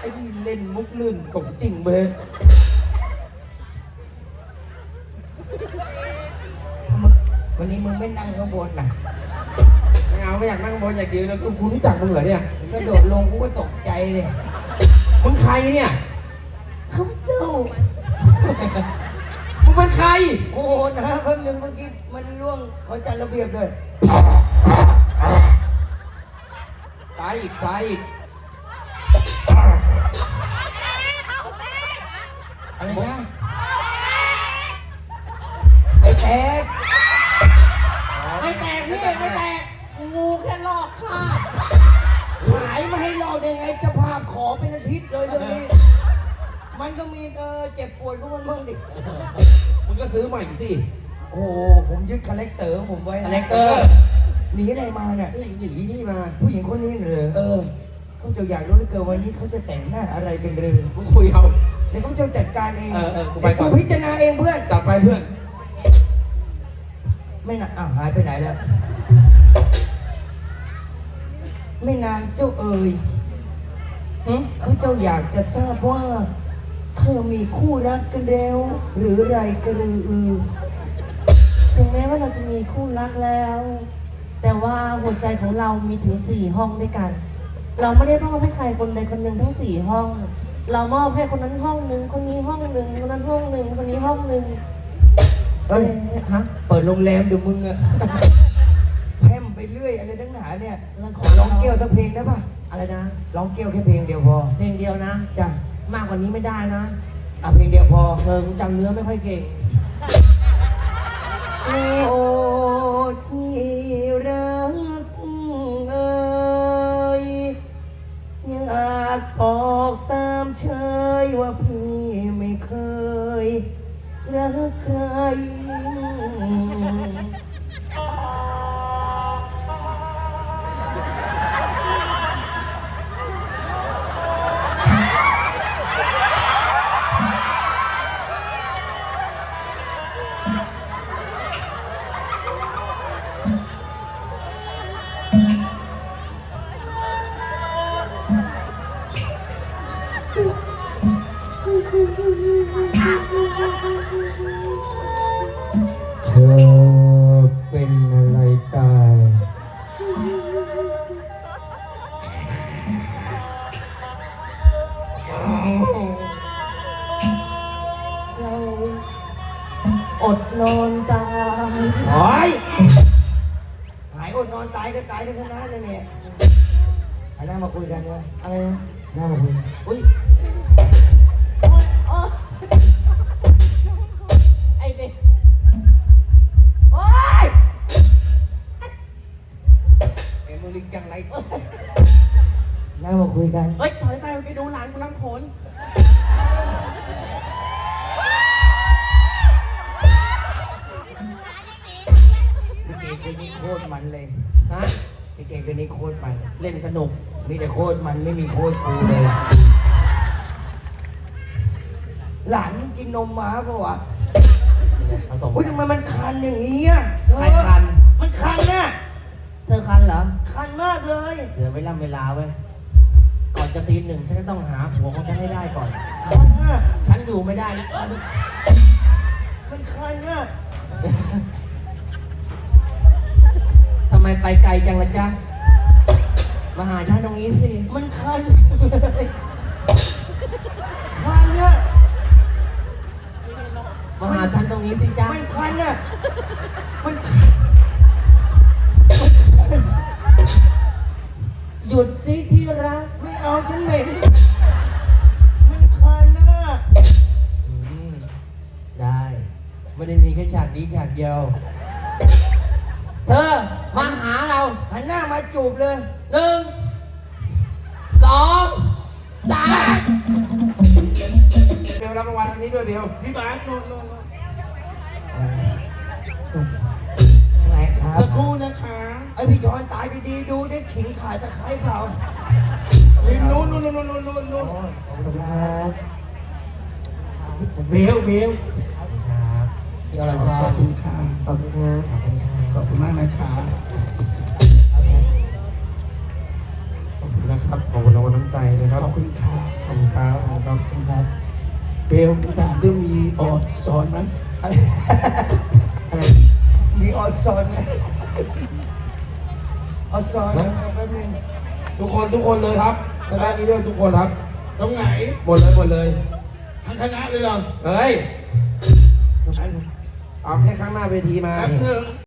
อ้นี่เล่นมุกลื่นสมจริงเลยวันนี้มึงไม่นั่งข้างบนน่ะไม่เอาไม่อยากนั่งบนอยากยืนแล้วกูรู้จักมึงเหรอเนี่ยก็โดดลงกูก็ตกใจเลยมึงใครเนี่ยข้าพเจ้ามึงเป็นใครโอ้นะแป๊บนึงเมื่อกี้มันล่วงขอจัดระเบียบด้วยตายอีกตายอีกอะไรนะไม่แตกไม่แตกพี่ไม่แตกงูแค่ลอกคราบหายมาให้ลอกได้ไงเจะภาพขอเป็นอาทิตย์เลยตรงนี้ มันก็มีเจ็บปวดของมันบ้างดิมึงก็ซื้อใหม่สิโอ้ผมยึดคาแรคเตอร์ของผมไว้คาแรคเตอร์หนีอะไรมาเนี่ยนี่หนีนี่มาผู้หญิงคนนี้เลยเขาจะอยากรู้เหลือเกินวันนี้เขาจะแต่งหน้าอะไรกันเลยมึงคุยเอาเดี๋ยวเขาจะจัดการเองกูไปก่อนพิจารณาเองเพื่อนจับไปเพื่อนไม่นานอ้าวหายไปไหนแล้ว ไม่นานเจ้าเอ๋ยเขาเจ้าอยากจะทราบว่าเธอมีคู่รักกันแล้ว หรือไรกระรือถึงแม้ว่าเราจะมีคู่รักแล้ว แต่ว่าหัวใจของเรามีถึง4 ห้องด้วยกัน เราไม่ได้มอบให้ใครคนใดคนหนึ่งทั้ง4 ห้อง เรามอบให้คนนั้นห้องหนึ่งคนนี้ห้องหนึ่งคนนั้นห้องหนึ่งคนนี้ห้องหนึ่งเฮ้ยฮะเปิดโรงแรมเดี๋ยวมึงอะแพร่มไปเรื่อยอะไรทั้งหนาเนี่ยขอร้องเกี่ยวสักเพลงได้ปะอะไรนะร้องเกี่ยวแค่เพลงเดียวพอเพลงเดียวนะจ้ะมากกว่านี้ไม่ได้นะเพลงเดียวพอกูจำเนื้อไม่ค่อยเก่งโอ้ที่รักเอ่ยอยากบอกสามเชยว่าพี่ไม่เคยรักใคร เธอเป็นอะไรตายเราอดนอนตายหายหายอดนอนตายก็ตายในคณะเลยเนี่ยเอาหน้ามาคุยกันเลยอะไรนะหน้ามาคุยอุ้ยไอ้เด็กโอ๊ยเอ็มลิงจังไรหน้ามาคุยกันเฮ้ยถอยไปไปดูหลานกูรำโขนพี่เก่งคนนี้โคตรมันเลยฮะพี่เก่งคนนี้โคตรมันเล่นสนุกมีแต่โคตรมันไม่มีโคตรกูเลย หลานมึงกินนมม้าปะวะผสมอุ้ยทำไมมันคันอย่างนี้อ่ะใครคันมันคันน่ะเธอคันเหรอคันมากเลยเดี๋ยวเวลาเว้ย ก่อนจะตี 1ฉันจะต้องหาผัวของฉันให้ได้ก่อนคันน่ะฉันอยู่ไม่ได้นะมันคันน่ะทำไมไปไกลจังละจ๊ะ มาหาฉันตรงนี้สิมันคันเลยคันน่ะมาหาฉันตรงนี้สิจ๊ะมันคันน่ะมันหยุดสิที่รักไม่เอาฉันเหม็นมันคันน่ะได้ ไม่ได้มีแค่ฉากนี้ฉากเดียว เธอ มาหาเราหันหน้ามาจูบเลย 1 2 3 เบลรับรางวัลอันนี้ด้วยเบลพี่บาสโน่นอะไรครับสักครู่นะคะไอพี่ชอนตายดีๆดูได้ขิงขาดตะไคร้เปล่าริมนู้นขอบคุณครับเบลครับพี่อรชรขอบคุณค่ะขอบคุณครับขอบคุณครับขอบคุณมากนะคะขอบคุณนะครับขอบคุณรางวัลน้ำใจนะครับขอบคุณครับขอบคุณเบลถามด้วยมีออดสอนไหมอะไรมีออดซอนไหมออดซอนแป๊บนึงทุกคนเลยครับคณะนี้ด้วยทุกคนครับตรงไหนหมดเลยทั้งคณะเลยเหรอเฮ้ยเอาแค่ข้างหน้าเวทีมาแป๊บนึง